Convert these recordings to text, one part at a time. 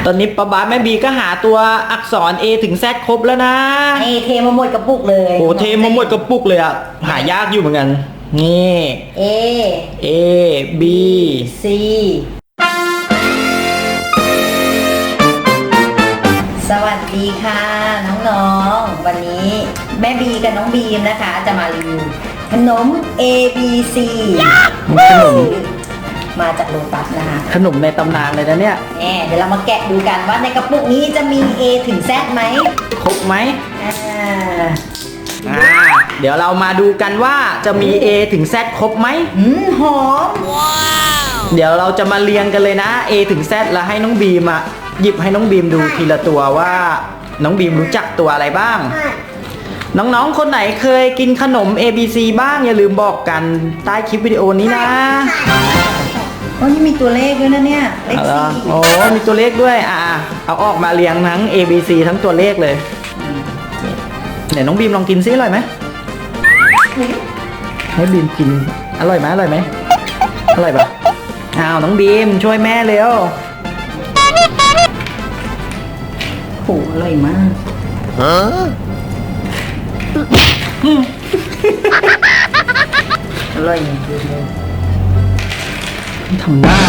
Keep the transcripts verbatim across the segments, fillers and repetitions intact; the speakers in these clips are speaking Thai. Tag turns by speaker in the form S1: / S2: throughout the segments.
S1: ตอนนี้ป๊าบ๊าแม่บีก็หาตัวอักษร A ถึง Z ครบแล้วนะ
S2: นี่เทมาหมดกระปุกเลย
S1: โอ้เทมาหมดกระปุกเลยอ่ะหายากอยู่เหมือนกันนี่
S2: A
S1: A B
S2: C สวัสดีค่ะน้องๆวันนี้แม่บีกับน้องบีมนะคะจะมารีวิวขนม A B C
S1: ขนม
S2: มาจากโลตัสนะคะ
S1: ขนมในตำนานเลยนะเนี่ย
S2: แหมเดี๋ยวเรามาแกะดูกันว่าในกระปุกนี้จะมี A ถึง Z ไหม
S1: ครบไหม
S2: อ่า
S1: อ่าเดี๋ยวเรามาดูกันว่าจะมี A ถึง Z ครบไหม
S2: อืมหอมว้
S1: าวเดี๋ยวเราจะมาเรียงกันเลยนะ A ถึง Z แล้วให้น้องบีมอ่ะหยิบให้น้องบีมดูทีละตัวว่าน้องบีมรู้จักตัวอะไรบ้างน้องๆคนไหนเคยกินขนม A B C บ้างอย่าลืมบอกกันใต้คลิปวิดีโอนี้นะ
S2: โอ้นี่มีตัวเลขด้วยนะเนี่ยเลขสี่
S1: โอ้มีตัวเลขด้วยอ่ะเอาออกมาเรียงทั้ง A B C ทั้งตัวเลขเลยเดี๋ยวน้องบีมลองกินซิอร่อยไหมให้บีมกินอร่อยไหมอร่อยไหมอร่อยปะอ้าวน้องบีมช่วยแม่เร็ว
S2: โหอร่อยมากฮะอร่อยจริงเลย
S1: ทำหน้า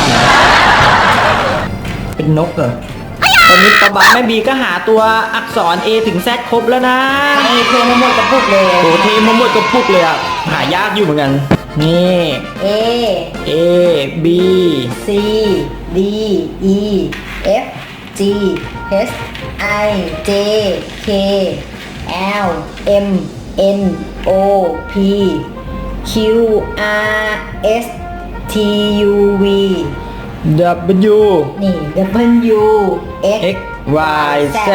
S1: เป็นนกเหรอตอนนี้ป๊าบ๊าแม่บีก็หาตัวอักษร A ถึง Z ครบแล้วนะ
S2: นี่เทมาหมดกระปุกเลย
S1: โอ้เทมาหมดกระปุกเลยอ่ะหายากอยู่เหมือนกันนี่
S2: A
S1: A B
S2: C D E F G H I J K L M N O P Q R S T U V
S1: W
S2: นี่ W X
S1: X Y Z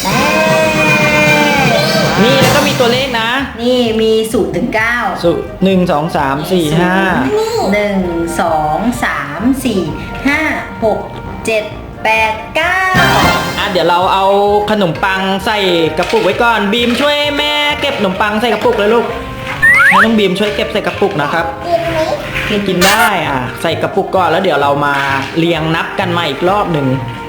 S1: นี่แล้วก็มีตัวเลขนะ
S2: นี่มีศูนย์ถึงเก้า
S1: ศูนย์หนึ่งสองสามสี่ห้า
S2: หนึ่งสองสามสี่ห้าหกเจ็ดแปดเก้า
S1: อ่ะเดี๋ยวเราเอาขนมปังใส่กระปุกไว้ก่อนบีมช่วยแม่เก็บขนมปังใส่กระปุกเลยลูกให้น้องบีมช่วยเก็บใส่กระปุกนะครับกินได้อ่ะใส่กระปุกก่อนแล้วเดี๋ยวเรามาเรียงนับกันมาอีกรอบหนึ่ง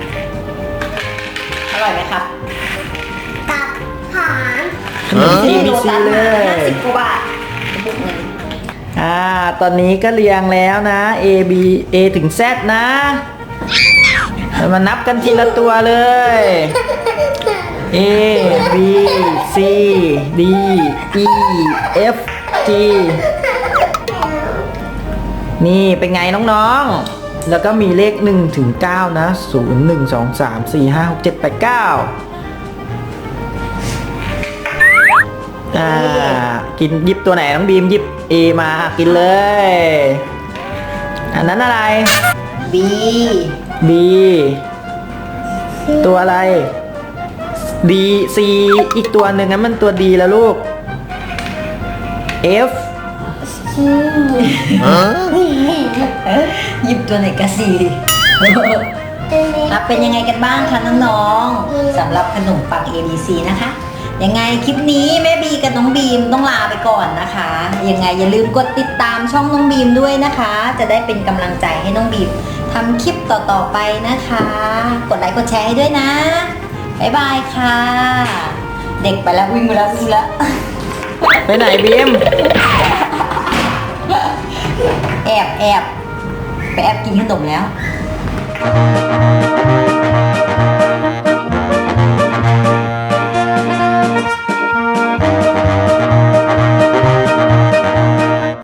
S2: อร่อยไหมครับตับหอม
S1: ขนม A B C เลย
S2: ห้าสิบกว่าบาทกระปุกหนึ่ง
S1: อ่าตอนนี้ก็เรียงแล้วนะ A B A ถึง Z นะมานับกันทีละตัวเลย A B C D E F G นี่เป็นไงน้องๆแล้วก็มีเลขหนึ่งถึงเก้านะศูนย์ หนึ่ง สอง สาม สี่ ห้า หก เจ็ด แปด เก้าอ่ากินหยิบตัวไหนน้องบีมหยิบ A มากินเลยอันนั้นอะไร
S2: B
S1: B ตัวอะไร D C อีกตัวหนึ่งนั้นมันตัว D แล้วลูก F
S2: หยิบตัวไหนกะสีเป็นยังไงกันบ้างคะน้องๆสำหรับขนมปัง A B C นะคะยังไงคลิปนี้แม่บีกับน้องบีมต้องลาไปก่อนนะคะยังไงอย่าลืมกดติดตามช่องน้องบีมด้วยนะคะจะได้เป็นกำลังใจให้น้องบีมทำคลิปต่อๆไปนะคะกดไลค์กดแชร์ให้ด้วยนะบ๊ายบายค่ะเด็กไปแล้ววิ่งไปแล้ววิ่งแล้ว
S1: ไปไหนบีม
S2: แอบแอบไปแอบกินขนมแล้ว